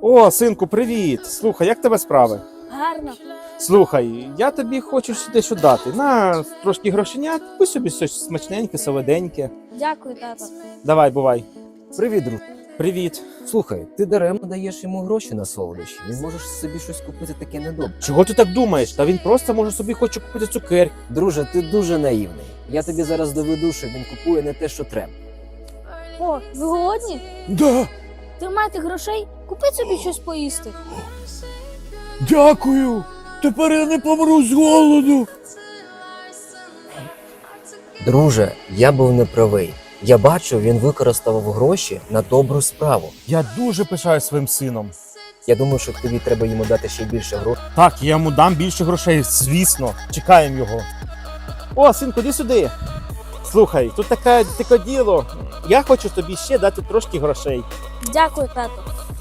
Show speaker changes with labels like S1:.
S1: О, синку, привіт! Слухай, як тебе справи?
S2: Гарно.
S1: Слухай, я тобі хочу дещо дати. На трошки грошенят, купи собі щось смачненьке, солоденьке.
S2: Дякую, тато.
S1: Давай, бувай.
S3: Привіт, друг.
S1: Привіт.
S3: Слухай, ти даремно даєш йому гроші на солодощі. Він може собі щось купити таке недобре.
S1: Чого ти так думаєш? Та він просто може собі хоче купити цукерки.
S3: Друже, ти дуже наївний. Я тобі зараз доведу, що він купує не те, що треба.
S2: О, ви голодні?
S1: Да,
S2: Тримайте грошей, купіть собі щось поїсти.
S1: дякую. Тепер я не помру з голоду.
S3: Друже, я був неправий. Я бачу, він використав гроші на добру справу.
S1: Я дуже пишаюсь своїм сином.
S3: Я думаю, що тобі треба йому дати ще більше грошей.
S1: Так, я йому дам більше грошей, звісно. Чекаємо його. О, синку, іди сюди. Слухай, тут таке діло. Я хочу тобі ще дати трошки грошей.
S2: Дякую, тато.